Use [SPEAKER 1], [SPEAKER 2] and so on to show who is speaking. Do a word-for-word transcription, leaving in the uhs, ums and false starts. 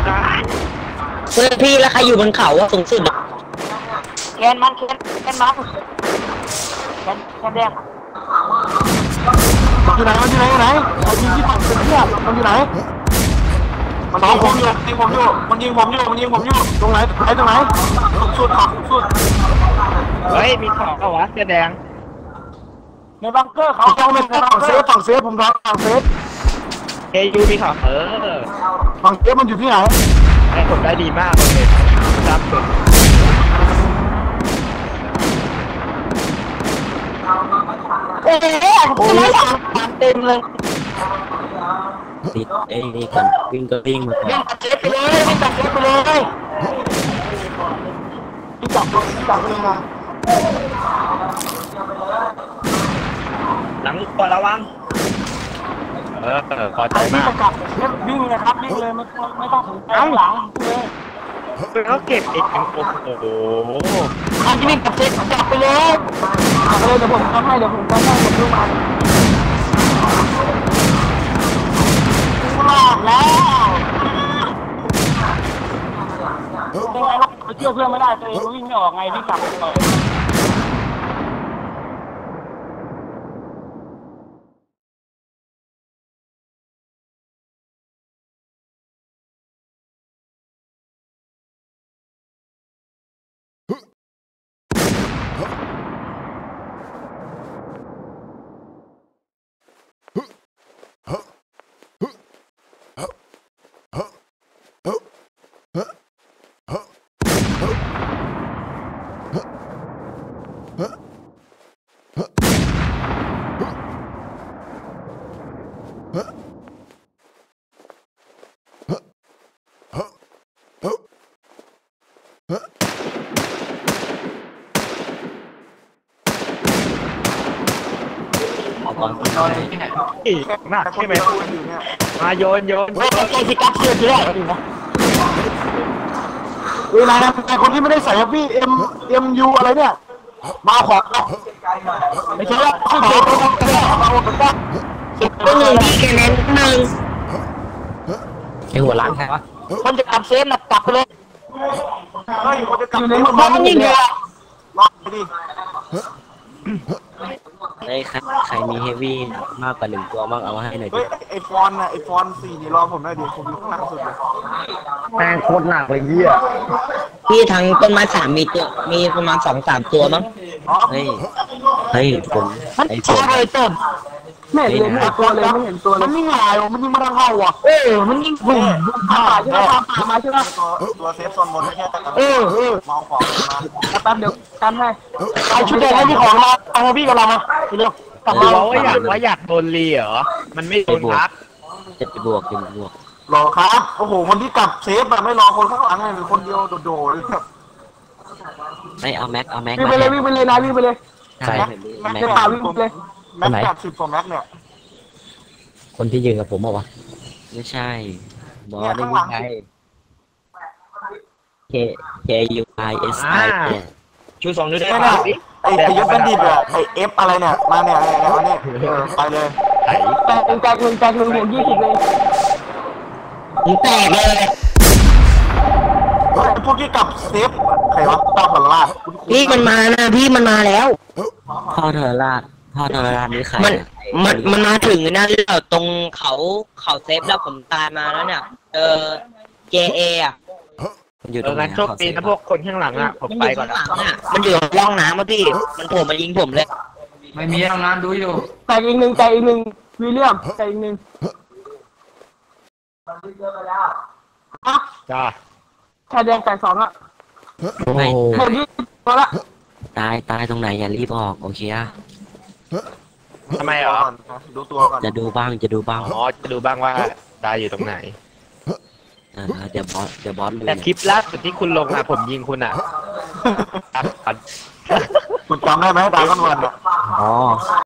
[SPEAKER 1] เพื่อนพี่แล้วใครอยู่บนเขาอะสูงสุด
[SPEAKER 2] แคนมันแคนแคนมันแคนแคนแดง
[SPEAKER 3] มันอยู่ไหนมันอยู่ไหนไหนไอ้ยิงที่ฝั่งเป็นเพื่อนมันอยู่ไหนมันยิงผมอยู่ยิงผมอยู่มันยิงผมอยู่มันยิงผมอยู่ตรงไหนไหนตรงไหนสุดขอบสุด
[SPEAKER 4] เฮ้ยมีของเอาวะเสื้อแดง
[SPEAKER 2] ในบังเกอร์เขา
[SPEAKER 3] เขาไม่ฝั่งเซฟฝั่งเซฟผมทำฝั่งเซฟ
[SPEAKER 4] เอยูมีของเออ
[SPEAKER 3] ฝั่งเซฟมันอยู่ที่ไหน
[SPEAKER 4] ไอ้ผมได้ดีมากเลยครับสุด
[SPEAKER 2] เอ๊ะผมไม่ทำเต็มเลย
[SPEAKER 1] ติดเอ้นี่ก่อนวิ่งก็วิ่งมาก่อน
[SPEAKER 2] วิ่งตัดเซฟไปเลยวิ่งตัดเซฟไปเลย
[SPEAKER 3] ที่จับจับเลยนะ
[SPEAKER 4] หลังตัวระวังเออพอใจมาก
[SPEAKER 2] วิ่งเลยครับวิ่งเลยไม่ไม่ต้องถึงหลังหลังเลย
[SPEAKER 4] เขาเก็บเองโอ้โห
[SPEAKER 2] อันที่วิ่งตัดเซฟจับไปเลยจับไปเลยเดี๋ยวผมทำให้เดี๋ยวผมทำให้ผมดูมันรอดแล้วเป็นไงล่ะไปเชื่อเพื่อนไม่ได้ตัวเองวิ่งไม่ออกไงวิ่งกลับไปเลย
[SPEAKER 4] อีกมากใช่ไหมมาโยนโยน
[SPEAKER 2] ใจสิกับเสื้อที่แรก
[SPEAKER 3] เวลาไอ้คนที่ไม่ได้ใส่พี่เอ็มเอ็มยูอะไรเนี่ยมาขวาไม่ใช่ว่าขึ้นเตะไปกันเลยมาหมดกัน
[SPEAKER 1] สิบตัวหนึ่งพี่แกเน้นหนึ่งไอหัวล้านใครวะ
[SPEAKER 2] คนจะกลับเซฟนะกลับไปเลย
[SPEAKER 3] เฮ้ยคนจะกลับ
[SPEAKER 2] อยู่ในหมู่บ้านนี่เลย
[SPEAKER 3] ล็อกไปดิ
[SPEAKER 1] ไอ้ใครใครมีเฮฟวี่มากกว่าหนึ่งตัวบ้างเอาให้หน่อยดิ
[SPEAKER 3] เฮ้ยไอฟอนน่ะไอฟอนสี่นี่รอผมหน่อยดิผมอยู่ข้างหลังสุดเลย
[SPEAKER 4] แม่งโคตรหนักเลยเหี้ย
[SPEAKER 1] พี่ทั้งต้นไม้สามมีตัวมีประมาณสองสามตัวมั้งเฮ้ยเฮ้ยผมไอ้ผม
[SPEAKER 2] เลยเติมไม่เห็นเลยไม่เห็นตัวเลยไม่เห็นตัวเลย
[SPEAKER 3] มันนี่ไงมันยิงมาทางเข้าอ่ะ
[SPEAKER 2] เออมันยิงบุ่มบุ่มผ่าใช่ไหมผ่ามาใช่ไหม
[SPEAKER 3] ตัวตัวเซฟโซนบนไม่ใช่แต่
[SPEAKER 2] เออเออ
[SPEAKER 3] มองของมา
[SPEAKER 2] แป๊บเดี๋ยวกันให้ไอชุดแดงให้พี่ของมาเอาพี่กับเรามาเร็ว
[SPEAKER 4] กลับมาว่าอยากว่าอยากโดนรีเหรอมันไม่โดนพัก
[SPEAKER 1] จะไปบวกจะไปบวก
[SPEAKER 3] รอครับโอ้โหคนที่กลับเซฟแบบไม่รอคนข้างหลังเลยหรือคนเดียวโดดๆเลยครับ
[SPEAKER 1] ไม่เอาแม็กเอาแม็ก
[SPEAKER 2] วิ่งไปเลยวิ่งไปเลยนะวิ่งไปเลย
[SPEAKER 1] ใช่
[SPEAKER 2] แม็กจะพาวิ่งไปเลย
[SPEAKER 3] แม็กแปดสิบกว่าแม็กเนี่ย
[SPEAKER 1] คนที่ยืนกับผมเหรอวะไม่ใช่บอสได้ยังไง K K U I S I
[SPEAKER 4] ชูสองนิ้วได้ไหม
[SPEAKER 3] ไอ้ไอ้ยศบัณฑิตอะไอ้เอฟอะไรเนี่ยมาเนี่ยไอ้อันนี้ไปเลย
[SPEAKER 2] แตกหนึ่งแตกหนึ่งแตกหนึ่งหัวยี่สิบเลย
[SPEAKER 1] มึงแตกเลย
[SPEAKER 3] พวกที่กลับเซฟใครวะตาผลลาด
[SPEAKER 1] พี่มันมานะพี่มันมาแล้วพ่อเธอลาดพ่อเธอลาดนี่ใครมันมันมันมาถึงนะเราตรงเขาเขาเซฟแล้วผมตายมาแล้วเนี่ยเออ J A อ่ะ
[SPEAKER 4] มันอยู่ตรงนั้นโชคดีนะพวกคนข้างหลังอ่ะผมไปก่อนนะ
[SPEAKER 1] มันอยู่ร่องน้ำอ่ะพี่มันโผล่มายิงผมเลย
[SPEAKER 4] ไม่มีร่องน้ำดูอยู่
[SPEAKER 2] แตกอีกหนึ่งแตกอีกหนึ่งวิลเลียมแตกอีกหนึ่ง
[SPEAKER 4] จ้า
[SPEAKER 2] ชายแดงแตกสองอ่ะ
[SPEAKER 1] ไม่
[SPEAKER 2] หมดยี่พอละ
[SPEAKER 1] ตายตายตรงไหนอย่ารีบออกโอเคอะ
[SPEAKER 4] ทำไมอ่ะ
[SPEAKER 3] ดูตัวก่อน
[SPEAKER 1] จะดูบ้างจะดูบ้าง
[SPEAKER 4] อ๋อจะดูบ้างว่าตายอยู่ตรงไหน
[SPEAKER 1] เดี๋ยวบอสเดี๋ยวบอส
[SPEAKER 4] แต่คลิปล่าสุดที่คุณลงอ่ะผมยิงคุณอ่ะ
[SPEAKER 3] คุณจำได้ไหมดาก้อนวันอ่ะ
[SPEAKER 1] อ๋อ